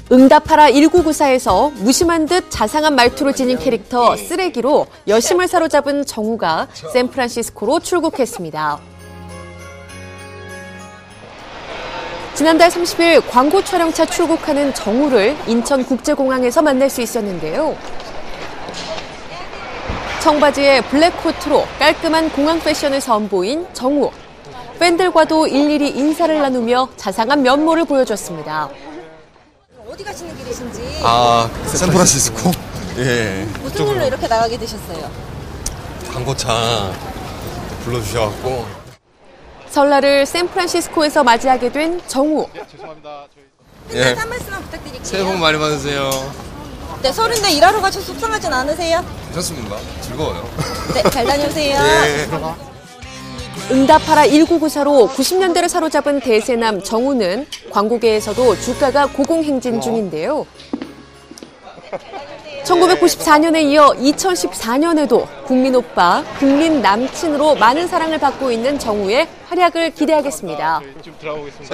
응답하라 1994에서 무심한 듯 자상한 말투를 지닌 캐릭터 쓰레기로 여심을 사로잡은 정우가 샌프란시스코로 출국했습니다. 지난달 30일 광고 촬영차 출국하는 정우를 인천국제공항에서 만날 수 있었는데요. 청바지에 블랙 코트로 깔끔한 공항 패션을 선보인 정우. 팬들과도 일일이 인사를 나누며 자상한 면모를 보여줬습니다. 어디 가시는 길이신지? 샌프란시스코. 예. 무슨 일로 이렇게 나가게 되셨어요? 광고차 불러주셔갖고. 설날을 샌프란시스코에서 맞이하게 된 정우. 죄송합니다. 팬들한테 한 말씀만 부탁드릴게요. 새해 복 많이 받으세요. 네, 설인데 일하러 가셔서 속상하진 않으세요? 괜찮습니다. 즐거워요. 네, 잘 다녀오세요. 예. 응답하라 1994로 90년대를 사로잡은 대세남 정우는 광고계에서도 주가가 고공행진 중인데요. 1994년에 이어 2014년에도 국민 오빠, 국민 남친으로 많은 사랑을 받고 있는 정우의 활약을 기대하겠습니다.